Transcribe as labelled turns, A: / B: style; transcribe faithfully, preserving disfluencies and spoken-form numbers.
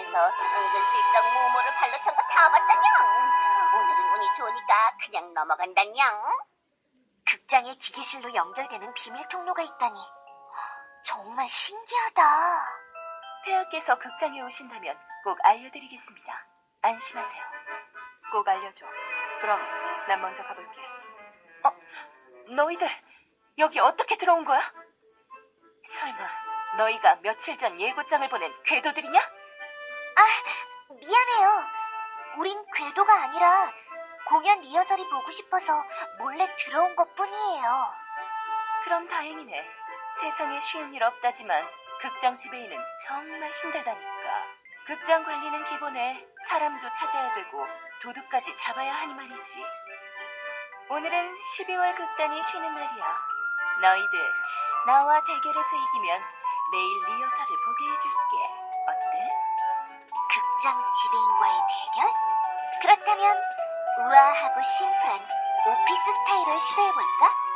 A: 너 은근슬쩍 모모를 발로 찬 거 다 봤다냥. 오늘은 운이 좋으니까 그냥 넘어간다냥. 극장에 기계실로 연결되는 비밀 통로가 있다니. 정말 신기하다.
B: 폐하께서 극장에 오신다면 꼭 알려드리겠습니다. 안심하세요. 꼭 알려줘. 그럼 난 먼저 가볼게. 어? 너희들 여기 어떻게 들어온 거야? 설마 너희가 며칠 전 예고장을 보낸 궤도들이냐?
A: 아, 미안해요. 우린 궤도가 아니라 공연 리허설이 보고 싶어서 몰래 들어온 것뿐이에요.
B: 그럼 다행이네. 세상에 쉬운 일 없다지만 극장 지배인은 정말 힘들다니까. 극장 관리는 기본에 사람도 찾아야 되고 도둑까지 잡아야 하니 말이지. 오늘은 십이월 극단이 쉬는 날이야. 너희들 나와 대결해서 이기면 내일 리허설을 보게 해줄게. 어때?
A: 극장 지배인과의 대결? 그렇다면 우아하고 심플한 오피스 스타일을 시도해볼까?